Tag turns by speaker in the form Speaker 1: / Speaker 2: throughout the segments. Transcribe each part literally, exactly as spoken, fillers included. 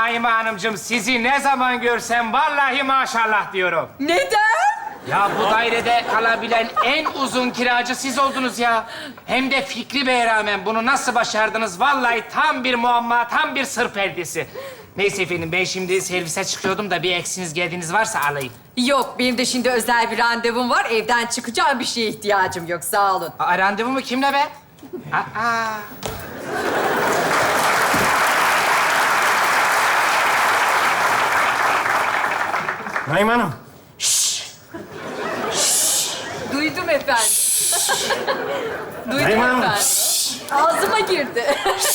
Speaker 1: Naime Hanımcığım, sizi ne zaman görsem vallahi maşallah diyorum.
Speaker 2: Neden?
Speaker 1: Ya bu dairede kalabilen en uzun kiracı siz oldunuz ya. Hem de Fikri Bey'e rağmen bunu nasıl başardınız? Vallahi tam bir muamma, tam bir sır perdesi. Neyse efendim, ben şimdi servise çıkıyordum da bir eksiniz geldiğiniz varsa alayım.
Speaker 2: Yok, benim de şimdi özel bir randevum var. Evden çıkacağım, bir şeye ihtiyacım yok. Sağ olun.
Speaker 1: Aa, randevu mu? Kimle be? Aa.
Speaker 3: Naime Hanım.
Speaker 2: Duydum efendim. Duydum
Speaker 3: Naime Hanım.
Speaker 2: efendim. Ağzıma girdi.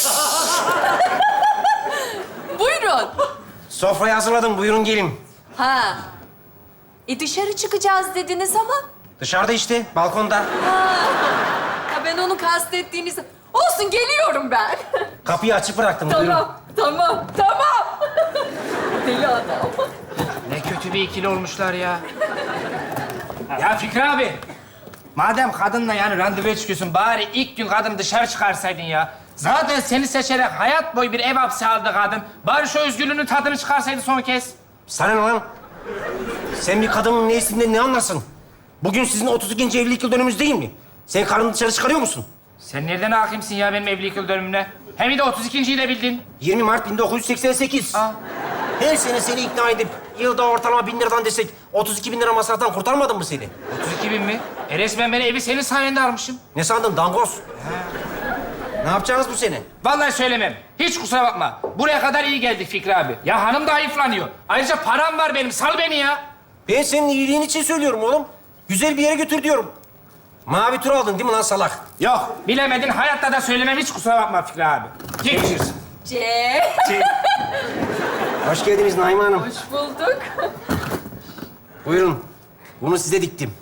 Speaker 2: Buyurun.
Speaker 3: Sofrayı hazırladım. Buyurun gelin.
Speaker 2: Ha. E dışarı çıkacağız dediniz ama.
Speaker 3: Dışarıda işte, balkonda.
Speaker 2: Ha, ben onu kastettiğiniz... Olsun, geliyorum ben.
Speaker 3: Kapıyı açık bıraktım. Buyurun.
Speaker 2: Tamam, tamam, tamam. Deli adam.
Speaker 1: Ne kötü bir ikili olmuşlar ya. Ya Fikri abi, madem kadınla yani randevuya çıkıyorsun, bari ilk gün kadını dışarı çıkarsaydın ya. Zaten seni seçerek hayat boyu bir ev hapsi aldı kadın. Bari şu özgürlüğünün tadını çıkarsaydı son kez.
Speaker 3: Sana ne lan? Sen bir kadının neysinden ne anlarsın? Bugün sizin otuz ikinci evlilik yıl dönümünüz değil mi? Sen karını dışarı çıkarıyor musun?
Speaker 1: Sen nereden hakimsin ya benim evlilik yıl dönümüne? Hem de otuz ikinciyi de bildin.
Speaker 3: yirmi Mart bin dokuz yüz seksen sekiz.
Speaker 1: Aa.
Speaker 3: Her sene seni ikna edip yılda ortalama bin liradan desek otuz iki bin lira masraftan kurtarmadın mı seni?
Speaker 1: otuz iki bin mi? E resmen ben evi senin sayende almışım.
Speaker 3: Ne sandın dangoz? Ne yapacağınız bu sene?
Speaker 1: Vallahi söylemem. Hiç kusura bakma. Buraya kadar iyi geldik Fikri abi. Ya hanım da hayıflanıyor. Ayrıca param var benim. Sal beni ya.
Speaker 3: Ben senin iyiliğin için söylüyorum oğlum. Güzel bir yere götür diyorum. Mavi tur aldın değil mi lan salak?
Speaker 1: Yok. Bilemedin. Hayatta da söylemem. Hiç kusura bakma Fikri abi. Geçiriz.
Speaker 2: C.
Speaker 3: Hoş geldiniz Naime Hanım.
Speaker 2: Hoş bulduk.
Speaker 3: Buyurun. Bunu size diktim.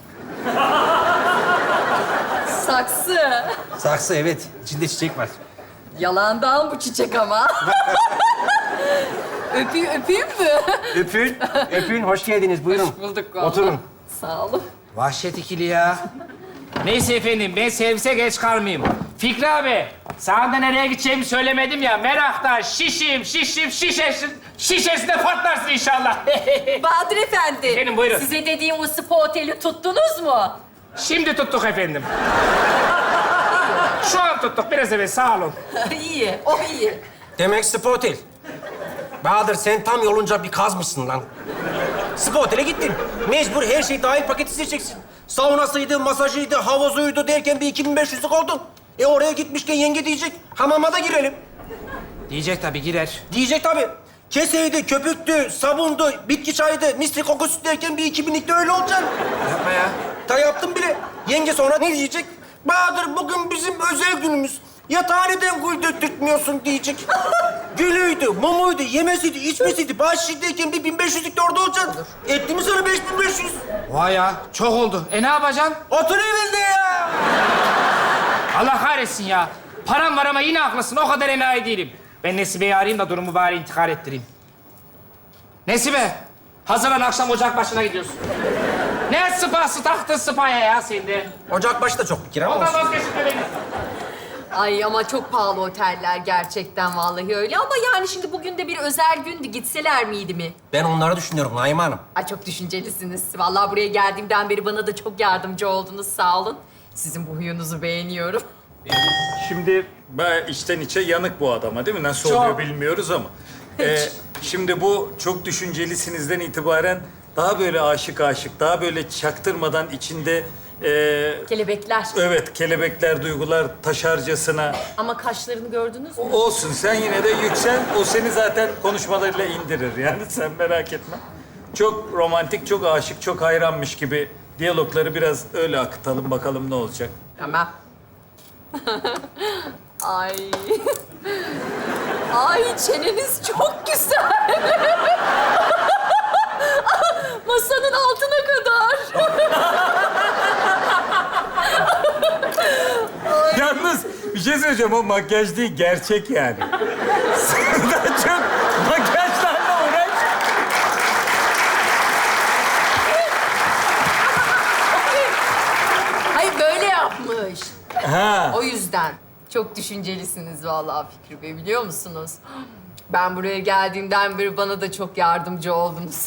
Speaker 2: Saksı.
Speaker 3: Saksı evet. İçinde çiçek var.
Speaker 2: Yalandan bu çiçek ama. Öpeyim, öpeyim mi?
Speaker 3: Öpün. Öpün. Hoş geldiniz. Buyurun.
Speaker 2: Hoş bulduk vallahi.
Speaker 3: Oturun.
Speaker 2: Sağ olun.
Speaker 1: Vahşet ikili ya. Neyse efendim. Ben servise geç kalmayayım. Fikri abi. Sana da nereye gideceğimi söylemedim ya. Meraktan şişim, şişim, şişesin. Şişesinde patlarsın inşallah.
Speaker 2: Bahadır Efendi.
Speaker 1: Benim, buyurun.
Speaker 2: Size dediğim o spa oteli tuttunuz mu?
Speaker 1: Şimdi tuttuk efendim. Şu an tuttuk. Biraz evet. Sağ olun.
Speaker 2: iyi, o iyi.
Speaker 3: Demek spa otel. Bahadır sen tam yolunca bir kazmışsın lan. Spa otele gittin. Mecbur her şey dahil paketi seçeceksin. Saunasıydı, masajıydı, havuzuydu derken bir iki bin beş yüzlük oldun. E oraya gitmişken yenge diyecek, hamama da girelim.
Speaker 1: Diyecek tabii, girer.
Speaker 3: Diyecek tabii. Keseydi, köpüktü, sabundu, bitki çayıydı, misli kokusu derken bir iki binlikte öyle olacaksın.
Speaker 1: Yapma ya.
Speaker 3: Ta yaptım bile. Yenge sonra ne diyecek? Bahadır bugün bizim özel günümüz. Yatağı neden güldürtmüyorsun diyecek. Gülüydü, mumuydu, yemesiydi, içmesiydi. Bahşişteyken bir bin beş yüzlük de orada olacaksın. Etti mi sana beş bin beş yüz?
Speaker 1: Vay ya. Çok oldu. E ne yapacaksın?
Speaker 3: Otur evinde ya.
Speaker 1: Allah kahretsin ya. Param var ama yine haklısın. O kadar enayi değilim. Ben Nesibe'yi arayayım da durumu bari intikal ettireyim. Nesibe, hazırlan, akşam ocak başına gidiyorsun. Ne sıpası taktın sıpaya ya sen de?
Speaker 3: Ocakbaşı da çok bir kere ama
Speaker 1: Ondan
Speaker 3: olsun.
Speaker 1: vazgeçme beni.
Speaker 2: Ay ama çok pahalı oteller gerçekten vallahi öyle. Ama yani şimdi bugün de bir özel gündü. Gitseler miydi mi?
Speaker 3: Ben onları düşünüyorum Naime Hanım.
Speaker 2: Ay çok düşüncelisiniz. Vallahi buraya geldiğimden beri bana da çok yardımcı oldunuz. Sağ olun. Sizin bu huyunuzu beğeniyorum.
Speaker 4: Şimdi ben içten içe yanık bu adama değil mi? Nasıl
Speaker 1: Çok.
Speaker 4: oluyor bilmiyoruz ama. Ee, şimdi bu çok düşüncelisinizden itibaren daha böyle aşık aşık, daha böyle çaktırmadan içinde... e,
Speaker 2: Kelebekler.
Speaker 4: evet, kelebekler, duygular taşarcasına.
Speaker 2: Ama kaşlarını gördünüz mü?
Speaker 4: Olsun, sen yine de yüksel. O seni zaten konuşmalarıyla indirir yani, sen merak etme. Çok romantik, çok aşık, çok hayranmış gibi diyalogları biraz öyle akıtalım, bakalım ne olacak.
Speaker 2: Tamam. Ay. Ay çeneniz çok güzel. Masanın altına kadar.
Speaker 4: Yalnız bir şey söyleyeceğim, o makyaj değil, gerçek yani. Sen daha çok makyajlarla uğraş.
Speaker 2: Hayır böyle yapmış.
Speaker 4: Ha.
Speaker 2: O yüzden. Çok düşüncelisiniz vallahi Fikri Bey, biliyor musunuz? Ben buraya geldiğimden beri bana da çok yardımcı oldunuz.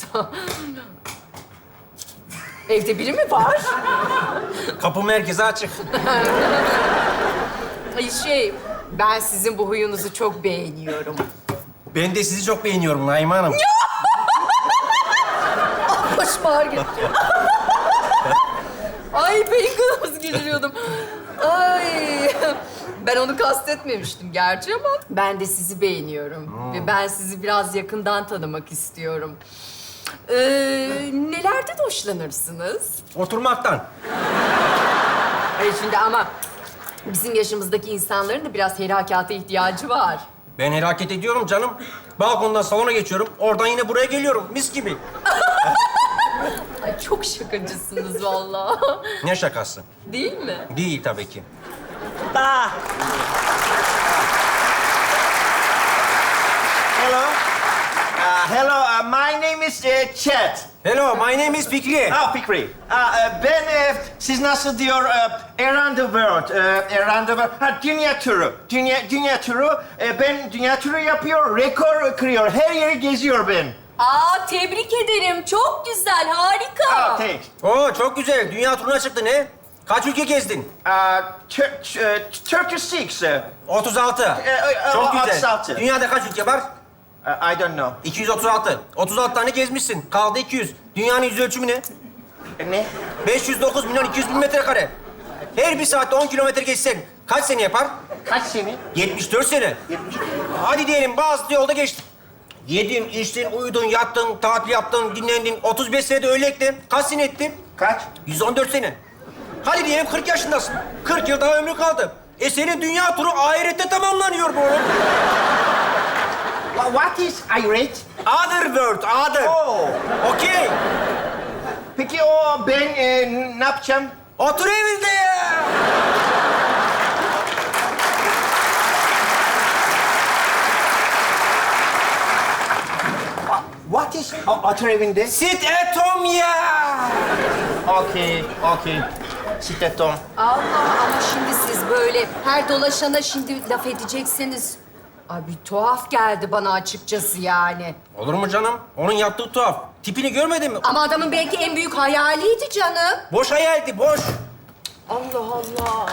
Speaker 2: Evde biri mi var?
Speaker 3: Kapı merkeze açık.
Speaker 2: Ay şey, ben sizin bu huyunuzu çok beğeniyorum.
Speaker 3: Ben de sizi çok beğeniyorum Naime Hanım.
Speaker 2: Başıma ağrı gitti. Ay bacon gülüyordum. Ay. Ben onu kastetmemiştim gerçi ama ben de sizi beğeniyorum. Ve ben sizi biraz yakından tanımak istiyorum. Ee, nelerden hoşlanırsınız?
Speaker 3: Oturmaktan.
Speaker 2: Hayır şimdi ama bizim yaşımızdaki insanların da biraz herakata ihtiyacı var.
Speaker 3: Ben hareket ediyorum canım. Balkondan salona geçiyorum. Oradan yine buraya geliyorum. Mis gibi.
Speaker 2: Ay çok şakacısınız vallahi.
Speaker 3: Ne şakası?
Speaker 2: Değil mi?
Speaker 3: Değil tabii ki.
Speaker 5: Da. Hello. Uh, hello, uh, my name is uh, Chet.
Speaker 3: Hello, my name is Fikri.
Speaker 5: Ah, Fikri. Uh, uh, ben, uh, siz nasıl diyor, uh, around the world, uh, around the world. Ha, dünya turu, dünya, dünya turu. Uh, ben dünya turu yapıyor, rekor kırıyor, her yeri geziyor ben.
Speaker 2: Aa tebrik ederim. Çok güzel, harika.
Speaker 5: Ah, thanks.
Speaker 3: Oo, çok güzel. Dünya turuna çıktı ne? Kaç ülke gezdin?
Speaker 5: Uh, Tur- uh, thirty-six. Uh,
Speaker 3: otuz altı.
Speaker 5: e,
Speaker 3: Çok güzel.
Speaker 5: otuz altı.
Speaker 3: Dünyada kaç ülke var?
Speaker 5: uh, I don't know.
Speaker 3: iki yüz otuz altı. otuz altı tane gezmişsin. Kaldı iki yüz. Dünyanın yüz ölçümü ne?
Speaker 5: Ne?
Speaker 3: beş yüz dokuz milyon iki yüz bin metrekare. Her bir saatte on kilometre geçsen kaç sene yapar?
Speaker 5: Kaç sene?
Speaker 3: yetmiş dört sene.
Speaker 5: yetmiş.
Speaker 3: Hadi diyelim bazı yolda geçtin. Yedin, içtin, uyudun, yattın, tatil yaptın, dinlendin. otuz beş senede öyle ektin. Kaç sene ettin?
Speaker 5: Kaç?
Speaker 3: yüz on dört sene. Hadi diyelim kırk yaşındasın. kırk yıl daha ömrü kaldı. E senin dünya turu ahirette tamamlanıyor bu oğlum.
Speaker 5: Wha- What is irate?
Speaker 3: Other world, other.
Speaker 5: Oh.
Speaker 3: Okey.
Speaker 5: Peki o ben e, ne yapacağım?
Speaker 3: Otur evinde ya.
Speaker 5: What is o- otur evinde?
Speaker 3: Sit at home ya.
Speaker 5: Okey, okey. Sitetom.
Speaker 2: Allah ama şimdi siz böyle her dolaşana şimdi laf edeceksiniz. Ay bir tuhaf geldi bana açıkçası yani.
Speaker 3: Olur mu canım? Onun yaptığı tuhaf. Tipini görmedin mi?
Speaker 2: Ama adamın belki en büyük hayaliydi canım.
Speaker 3: Boş hayaldi, boş.
Speaker 2: Allah Allah.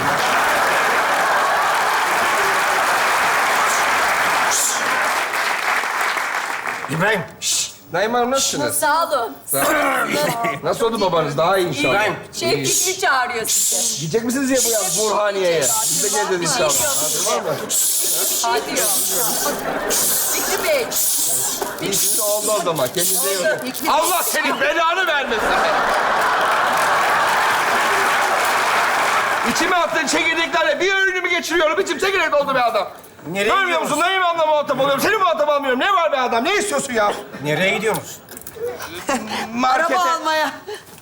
Speaker 3: İbrahim. Şşş.
Speaker 6: Naim Hanım nasılsınız?
Speaker 2: Sağ olun.
Speaker 6: Nasıl oldu babanız? Daha iyi inşallah.
Speaker 3: İbrahim.
Speaker 2: Şey Fikri çağırıyor sizi.
Speaker 6: Gidecek misiniz ya bu yaz Burhaniye'ye? Biz de geleceğiz inşallah. Tamam mı?
Speaker 2: Hadi diyor. Fikri Bey.
Speaker 6: İşte oldu o zaman. Kendinize iyi bakın.
Speaker 2: Fikri Bey.
Speaker 6: Allah senin belanı vermesin. İçime attığın çekirdeklerle bir öğünümü geçiriyorum. İçim çekirdek doldu be adam.
Speaker 3: Nereye
Speaker 6: Görmüyor
Speaker 3: gidiyoruz?
Speaker 6: musun? Neyim anla muhatap oluyorum? Seni muhatap almıyorum. Ne var be adam? Ne istiyorsun ya?
Speaker 3: Nereye gidiyorsunuz?
Speaker 6: Markete.
Speaker 7: Araba almaya.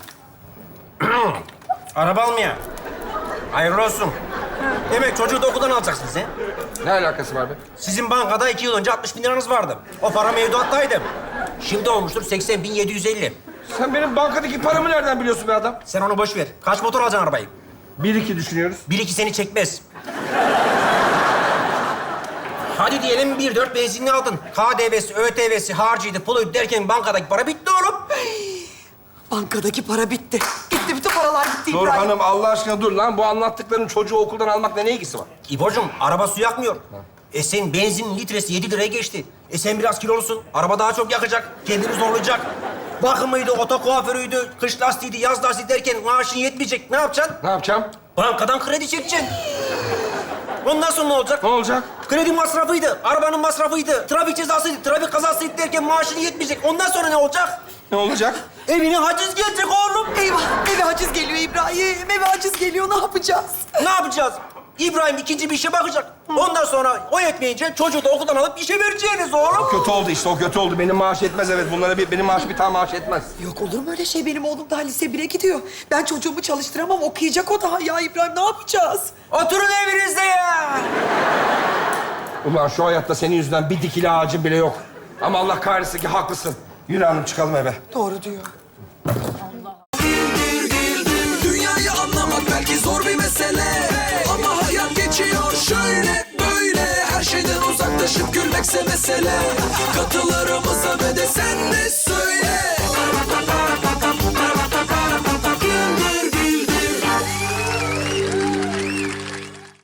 Speaker 3: Araba almaya. Hayırlı olsun. Demek çocuğu da okuldan alacaksınız he?
Speaker 6: Ne alakası var be?
Speaker 3: Sizin bankada iki yıl önce altmış bin liranız vardı. O para mevduattaydı. Şimdi olmuştur seksen bin yedi yüz elli.
Speaker 6: Sen benim bankadaki paramı nereden biliyorsun be adam?
Speaker 3: Sen onu boş ver. Kaç motor alacaksın arabayı?
Speaker 6: Bir iki düşünüyoruz.
Speaker 3: Bir iki seni çekmez. Hadi diyelim bir dört benzinli aldın. K D V'si, Ö T V'si, harcıydı, puluydu derken bankadaki para bitti oğlum.
Speaker 7: Bankadaki para bitti. Gitti, bütün paralar gitti
Speaker 6: Dur
Speaker 7: İbrahim.
Speaker 6: hanım Allah aşkına dur lan. Bu anlattıkların çocuğu okuldan almakla ne ilgisi var?
Speaker 3: İbocuğum araba su yakmıyor. E sen benzin litresi yedi liraya geçti. E sen biraz kilolusun. Araba daha çok yakacak. Kendini zorlayacak. Bakımıydı, oto kuaförüydü, kış lastiğiydi, yaz lastiği derken maaşın yetmeyecek. Ne yapacaksın?
Speaker 6: Ne yapacağım?
Speaker 3: Bankadan kredi çekeceksin. Ondan sonra ne olacak?
Speaker 6: Ne olacak?
Speaker 3: Kredi masrafıydı, arabanın masrafıydı, trafik cezasıydı, trafik kazasıydı derken maaşın yetmeyecek. Ondan sonra ne olacak?
Speaker 6: Ne olacak?
Speaker 3: Evine haciz gelecek oğlum.
Speaker 7: Eyvah, eve haciz geliyor İbrahim. Eve haciz geliyor, ne yapacağız?
Speaker 3: Ne yapacağız? İbrahim ikinci bir işe bakacak. Ondan sonra o yetmeyince çocuğu da okuldan alıp işe vereceğiniz oğlum.
Speaker 6: Kötü oldu işte, o kötü oldu. Benim maaş etmez evet. Bunlara bir, benim maaş bir tane maaş etmez.
Speaker 7: Yok olur mu öyle şey? Benim oğlum daha lise bire gidiyor. Ben çocuğumu çalıştıramam, okuyacak o daha. Ya İbrahim ne yapacağız?
Speaker 3: Oturun evinizde ya.
Speaker 6: Ulan şu hayatta senin yüzünden bir dikili ağacın bile yok. Ama Allah kahretsin ki haklısın. Yürü hanım çıkalım eve.
Speaker 7: Doğru diyor.
Speaker 8: Dünyayı anlamak belki zor bir mesele, ama hayat geçiyor şöyle böyle. Her şeyden uzaklaşıp gülmek büyükse mesele. Katılarımıza